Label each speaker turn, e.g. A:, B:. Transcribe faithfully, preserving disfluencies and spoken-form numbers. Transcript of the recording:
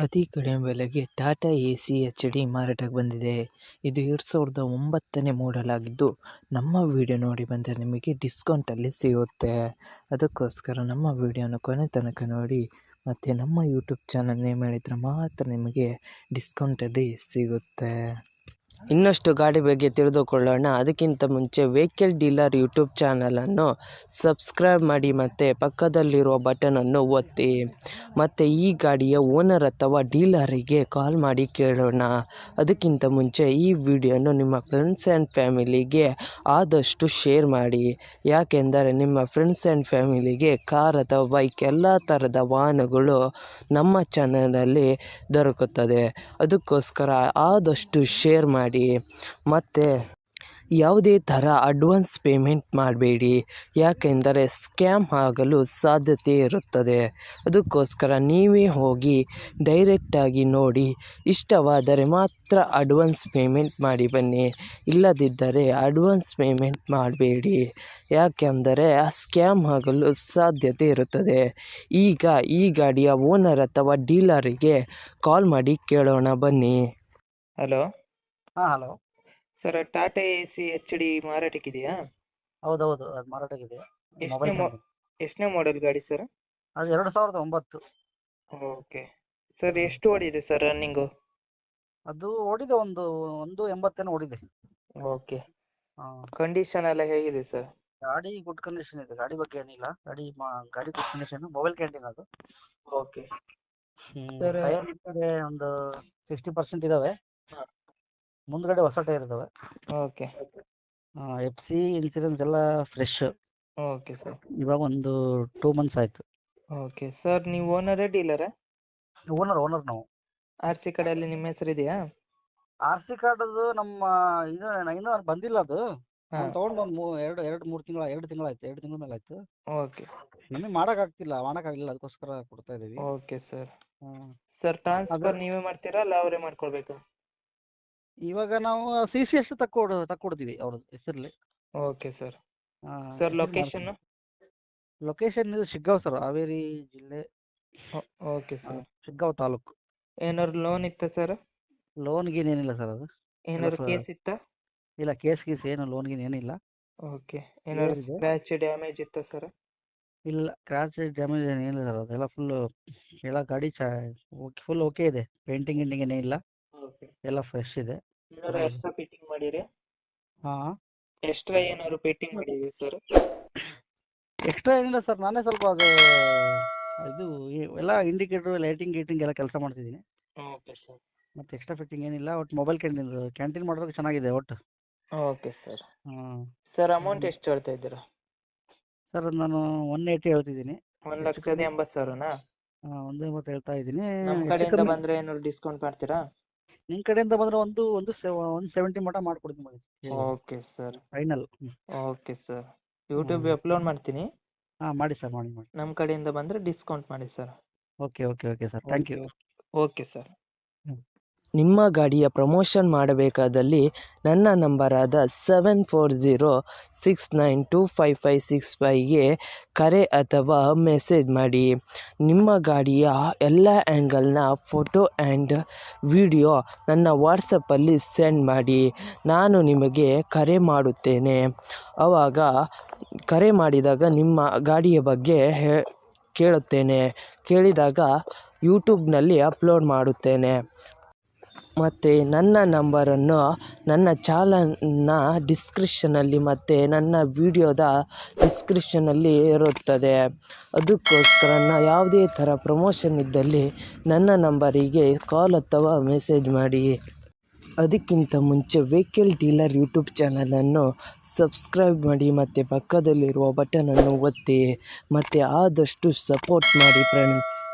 A: ಅತಿ ಕಡಿಮೆ ಬೆಲೆಗೆ Tata A C H D ಮಾರಾಟಕ್ಕೆ ಬಂದಿದೆ. ಇದು ಎರಡು ಸಾವಿರದ ಒಂಬತ್ತನೇ ಮಾಡೆಲ್ ಆಗಿದ್ದು, ನಮ್ಮ ವಿಡಿಯೋ ನೋಡಿ ಬಂದರೆ ನಿಮಗೆ ಡಿಸ್ಕೌಂಟಲ್ಲಿ ಸಿಗುತ್ತೆ. ಅದಕ್ಕೋಸ್ಕರ ನಮ್ಮ ವಿಡಿಯೋನ ಕೊನೆ ತನಕ ನೋಡಿ ಮತ್ತು ನಮ್ಮ ಯೂಟ್ಯೂಬ್ ಚಾನಲ್ ನೇಮ್ ಹೇಳಿದರೆ ಮಾತ್ರ ನಿಮಗೆ ಡಿಸ್ಕೌಂಟಲ್ಲಿ ಸಿಗುತ್ತೆ. ಇನ್ನಷ್ಟು ಗಾಡಿ ಬಗ್ಗೆ ತಿಳಿದುಕೊಳ್ಳೋಣ. ಅದಕ್ಕಿಂತ ಮುಂಚೆ ವೆಹಿಕಲ್ ಡೀಲರ್ ಯೂಟ್ಯೂಬ್ ಚಾನಲನ್ನು ಸಬ್ಸ್ಕ್ರೈಬ್ ಮಾಡಿ ಮತ್ತು ಪಕ್ಕದಲ್ಲಿರುವ ಬಟನನ್ನು ಒತ್ತಿ. ಮತ್ತು ಈ ಗಾಡಿಯ ಓನರ್ ಅಥವಾ ಡೀಲರಿಗೆ ಕಾಲ್ ಮಾಡಿ ಕೇಳೋಣ. ಅದಕ್ಕಿಂತ ಮುಂಚೆ ಈ ವಿಡಿಯೋನು ನಿಮ್ಮ ಫ್ರೆಂಡ್ಸ್ ಆ್ಯಂಡ್ ಫ್ಯಾಮಿಲಿಗೆ ಆದಷ್ಟು ಶೇರ್ ಮಾಡಿ. ಯಾಕೆಂದರೆ ನಿಮ್ಮ ಫ್ರೆಂಡ್ಸ್ ಆ್ಯಂಡ್ ಫ್ಯಾಮಿಲಿಗೆ ಕಾರ್ ಅಥವಾ ಬೈಕ್ ಎಲ್ಲ ಥರದ ವಾಹನಗಳು ನಮ್ಮ ಚಾನಲಲ್ಲಿ ದೊರಕುತ್ತದೆ. ಅದಕ್ಕೋಸ್ಕರ ಆದಷ್ಟು ಶೇರ್ ಮಾಡಿ. ಮತ್ತು ಯಾವುದೇ ಥರ ಅಡ್ವಾನ್ಸ್ ಪೇಮೆಂಟ್ ಮಾಡಬೇಡಿ, ಯಾಕೆಂದರೆ ಸ್ಕ್ಯಾಮ್ ಆಗಲು ಸಾಧ್ಯತೆ ಇರುತ್ತದೆ. ಅದಕ್ಕೋಸ್ಕರ ನೀವೇ ಹೋಗಿ ಡೈರೆಕ್ಟಾಗಿ ನೋಡಿ, ಇಷ್ಟವಾದರೆ ಮಾತ್ರ ಅಡ್ವಾನ್ಸ್ ಪೇಮೆಂಟ್ ಮಾಡಿ ಬನ್ನಿ. ಇಲ್ಲದಿದ್ದರೆ ಅಡ್ವಾನ್ಸ್ ಪೇಮೆಂಟ್ ಮಾಡಬೇಡಿ, ಯಾಕೆಂದರೆ ಆ ಸ್ಕ್ಯಾಮ್ ಆಗಲು ಸಾಧ್ಯತೆ ಇರುತ್ತದೆ. ಈಗ ಈ ಗಾಡಿಯ ಓನರ್ ಅಥವಾ ಡೀಲರಿಗೆ ಕಾಲ್ ಮಾಡಿ ಕೇಳೋಣ ಬನ್ನಿ.
B: ಹಲೋ
C: ಹಾಂ hello
B: sir, Tata A C H D ಮಾರಾಟಕ್ಕಿದೆಯಾ?
C: ಹೌದೌದು, ಅದು ಮಾರಾಟಕ್ಕಿದೆ.
B: ಎಷ್ಟನೇ
C: ಮೊಬೈಲ್
B: ಮೊ ಎಷ್ಟನೇ ಮಾಡೆಲ್ ಗಾಡಿ ಸರ್?
C: ಅದು ಎರಡು ಸಾವಿರದ ಒಂಬತ್ತು.
B: ಓಕೆ ಸರ್, ಎಷ್ಟು ಓಡಿದೆ ಸರ್ ರನ್ನಿಂಗು?
C: ಅದು ಓಡಿದೆ ಒಂದು ಒಂದು ಎಂಬತ್ತೇನೋ ಓಡಿದೆ.
B: ಓಕೆ,
C: ಹಾಂ,
B: ಕಂಡೀಷನ್ ಎಲ್ಲ ಹೇಗಿದೆ ಸರ್?
C: ಗಾಡಿ ಗುಡ್ ಕಂಡೀಷನ್ ಇದೆ, ಗಾಡಿ ಬಗ್ಗೆ ಏನಿಲ್ಲ. ಗಾಡಿ ಮಾ ಗಾಡಿ ಗುಡ್ ಕಂಡೀಷನ್. ಮೊಬೈಲ್ ಕ್ಯಾಂಟೀನ್ ಅದು.
B: ಓಕೆ
C: ಹ್ಞೂ
B: ಸರ್.
C: ಟೈರ್ ಹಿಂದ್ಗಡೆ ಒಂದು ಸಿಕ್ಸ್ಟಿ ಪರ್ಸೆಂಟ್ ಇದ್ದಾವೆ,
B: ಹಾಂ.
C: ಮುಂದ್ಗಡೆ ಹೊಸ ಟೈರ್ ಇದ್ದಾವೆ.
B: ಓಕೆ
C: ಎಫ್ ಸಿ ಇನ್ಸೂರೆನ್ಸ್ ಎಲ್ಲ ಫ್ರೆಶ್.
B: Okay sir.
C: ಇವಾಗ ಒಂದು ಟೂ ಮಂತ್ಸ್ ಆಯಿತು.
B: ಓಕೆ ಸರ್, ನೀವು ಓನರೇ ಡೀಲರಾ?
C: ಓನರ್ ಓನರ್ ನಾವು.
B: ಆರ್ ಸಿ ಕಡೆಯಲ್ಲಿ ನಿಮ್ಮ ಹೆಸರು ಇದೆಯಾ?
C: ಆರ್ ಸಿ ಕಾರ್ಡದು ನಮ್ಮ ಇದು ಇನ್ನೂ ಬಂದಿಲ್ಲ. ಅದು
B: ಹಾಂ.
C: ನಾನು ತೊಗೊಂಡು ಒಂದು ಮೂ ಎರಡು ಎರಡು ಮೂರು ತಿಂಗಳ ಎರಡು ತಿಂಗಳಾಯ್ತು ಎರಡು ತಿಂಗಳ ಮೇಲೆ ಆಯಿತು.
B: ಓಕೆ
C: ನಿಮಗೆ ಮಾಡೋಕ್ಕಾಗ್ತಿಲ್ಲ ಮಾಡೋಕ್ಕಾಗಲಿಲ್ಲ, ಅದಕ್ಕೋಸ್ಕರ ಕೊಡ್ತಾ ಇದ್ದೀವಿ.
B: Okay sir.
C: ಹಾಂ,
B: ಸರ್, ಟ್ರಾನ್ಸ್ಫರ್
C: ಅದು-
B: ನೀವೇ ಮಾಡ್ತೀರಾ ಅಲ್ಲ ಅವರೇ ಮಾಡ್ಕೊಳ್ಬೇಕಾ?
C: ಇವಾಗ ನಾವು ಸಿ ಸಿ ಎಸ್ ತಕ್ಕೊಡು ತಕ್ಕೊಡ್ತೀವಿ ಅವ್ರ ಹೆಸರಲ್ಲಿ.
B: Okay sir. ಸರ್, ಲೊಕೇಶನ್ನು?
C: ಲೊಕೇಶನ್ ಇದು ಶಿಗ್ಗಾಂವ್ ಸರ್, ಹಾವೇರಿ ಜಿಲ್ಲೆ,
B: ಓಕೆ ಸರ್.
C: ಶಿಗ್ಗಾಂವ್ ತಾಲೂಕು.
B: ಏನಾದ್ರು ಲೋನ್ ಇತ್ತಾ ಸರ್?
C: ಲೋನ್ ಗೀನ್ ಏನಿಲ್ಲ ಸರ್. ಅದು
B: ಏನಾದ್ರು
C: ಸರ್.
B: ಕೇಸ್ ಇತ್ತಾ?
C: ಇಲ್ಲ, ಕೇಸ್ ಗೀಸ್ ಏನು ಲೋನ್ ಗೀನ್ ಏನಿಲ್ಲ.
B: ಓಕೆ, ಏನಾದ್ರು
C: ಇದೆ.
B: ಸ್ಕ್ರ್ಯಾಚ್ ಡ್ಯಾಮೇಜ್ ಇತ್ತಾ ಸರ್?
C: ಇಲ್ಲ, ಕ್ರ್ಯಾಚ್ ಡ್ಯಾಮೇಜ್ ಏನಿಲ್ಲ ಸರ್. ಅದೆಲ್ಲ ಫುಲ್ಲು ಎಲ್ಲ ಗಾಡಿ ಚಾ ಓಕೆ ಫುಲ್ ಓಕೆ ಇದೆ. ಪೇಂಟಿಂಗ್ ಗಿಂಟಿಂಗ್ ಏನಿಲ್ಲ,
B: ಓಕೆ.
C: ಎಲ್ಲ ಫ್ರೆಶ್ ಇದೆ.
B: ಏನಾದ್ರು ಎಕ್ಸ್ಟ್ರಾ ಫಿಟ್ಟಿಂಗ್ ಮಾಡಿರಿ?
C: ಹಾಂ,
B: ಎಕ್ಸ್ಟ್ರಾ ಏನಾದ್ರು ಫಿಟ್ಟಿಂಗ್ ಮಾಡಿರಿ ಸರ್?
C: ಎಕ್ಸ್ಟ್ರಾ ಏನಿಲ್ಲ ಸರ್. ನಾನೇ ಸ್ವಲ್ಪ ಅದು ಇದು ಈ- ಎಲ್ಲ ಇಂಡಿಕೇಟ್ರು ಲೈಟಿಂಗ್ ಗೀಟಿಂಗ್ ಎಲ್ಲ ಕೆಲಸ ಮಾಡ್ತಿದ್ದೀನಿ.
B: Okay sir.
C: ಮತ್ತು ಎಕ್ಸ್ಟ್ರಾ ಫಿಟ್ಟಿಂಗ್ ಏನಿಲ್ಲ. ಒಟ್ಟು ಮೊಬೈಲ್ ಕ್ಯಾಂಟೀನ್ ಕ್ಯಾಂಟೀನ್ ಮಾಡೋದಕ್ಕೆ ಚೆನ್ನಾಗಿದೆ ಒಟ್ಟು.
B: Okay sir.
C: ಹಾಂ
B: ಸರ್, ಅಮೌಂಟ್ ಎಷ್ಟು ಹೇಳ್ತಾ ಇದ್ದೀರಾ?
C: ಸರ್, ನಾನು ಒನ್ ಏಯ್ಟಿ ಹೇಳ್ತಿದ್ದೀನಿ.
B: ಒಂದು ಲಕ್ಷದ ಎಂಬತ್ತು ಸಾವಿರನಾ?
C: ಹಾಂ, ಒಂದು ಎಂಬತ್ತು ಹೇಳ್ತಾ ಇದ್ದೀನಿ.
B: ನಮ್ಮ
C: ಹೆಚ್ಚು
B: ಕಡೆಯಿಂದ
C: ಕಮ್ಮಿ
B: ಬಂದರೆ ಏನಾದ್ರು ಡಿಸ್ಕೌಂಟ್ ಮಾಡ್ತೀರಾ?
C: ನಿಮ್ಮ ಕಡೆಯಿಂದ ಬಂದರೆ ಒಂದು ಒಂದು ಸೆ ಒಂದು ಸೆವೆಂಟಿ ಮಟ ಮಾಡ್ಕೊಡ್ತೀನಿ ಮಾಡಿ
B: okay sir.
C: Final.
B: Okay sir, ಯೂಟ್ಯೂಬ್ಗೆ ಅಪ್ಲೋಡ್ ಮಾಡ್ತೀನಿ.
C: ಹಾಂ, ಮಾಡಿ ಸರ್, ಮಾಡಿ ಮಾಡಿ.
B: ನಮ್ಮ ಕಡೆಯಿಂದ ಬಂದರೆ ಡಿಸ್ಕೌಂಟ್ ಮಾಡಿ sir.
C: Okay okay okay sir, thank you.
B: Okay sir.
A: ನಿಮ್ಮ ಗಾಡಿಯ ಪ್ರಮೋಷನ್ ಮಾಡಬೇಕಾದಲ್ಲಿ ನನ್ನ ನಂಬರಾದ seven four zero six nine two five five six ಫೈವ್ಗೆ ಕರೆ ಅಥವಾ ಮೆಸೇಜ್ ಮಾಡಿ. ನಿಮ್ಮ ಗಾಡಿಯ ಎಲ್ಲ ಆ್ಯಂಗಲ್ನ ಫೋಟೋ ಆ್ಯಂಡ್ ವಿಡಿಯೋ ನನ್ನ ವಾಟ್ಸಪ್ಪಲ್ಲಿ ಸೆಂಡ್ ಮಾಡಿ. ನಾನು ನಿಮಗೆ ಕರೆ ಮಾಡುತ್ತೇನೆ. ಆವಾಗ ಕರೆ ಮಾಡಿದಾಗ ನಿಮ್ಮ ಗಾಡಿಯ ಬಗ್ಗೆ ಹೇ ಕೇಳುತ್ತೇನೆ. ಕೇಳಿದಾಗ ಯೂಟ್ಯೂಬ್ನಲ್ಲಿ ಅಪ್ಲೋಡ್ ಮಾಡುತ್ತೇನೆ. ಮತ್ತು ನನ್ನ ನಂಬರನ್ನು ನನ್ನ ಚಾನಲ್ನ ಡಿಸ್ಕ್ರಿಪ್ಷನಲ್ಲಿ ಮತ್ತು ನನ್ನ ವಿಡಿಯೋದ ಡಿಸ್ಕ್ರಿಪ್ಷನಲ್ಲಿ ಇರುತ್ತದೆ. ಅದಕ್ಕೋಸ್ಕರ ಯಾವುದೇ ಥರ ಪ್ರಮೋಷನ್ ಇದ್ದಲ್ಲಿ ನನ್ನ ನಂಬರಿಗೆ ಕಾಲ್ ಅಥವಾ ಮೆಸೇಜ್ ಮಾಡಿ. ಅದಕ್ಕಿಂತ ಮುಂಚೆ ವೆಹಿಕಲ್ ಡೀಲರ್ ಯೂಟ್ಯೂಬ್ ಚಾನಲನ್ನು ಸಬ್ಸ್ಕ್ರೈಬ್ ಮಾಡಿ ಮತ್ತು ಪಕ್ಕದಲ್ಲಿರುವ ಬಟನನ್ನು ಒತ್ತಿ ಮತ್ತು ಆದಷ್ಟು ಸಪೋರ್ಟ್ ಮಾಡಿ ಫ್ರೆಂಡ್ಸ್.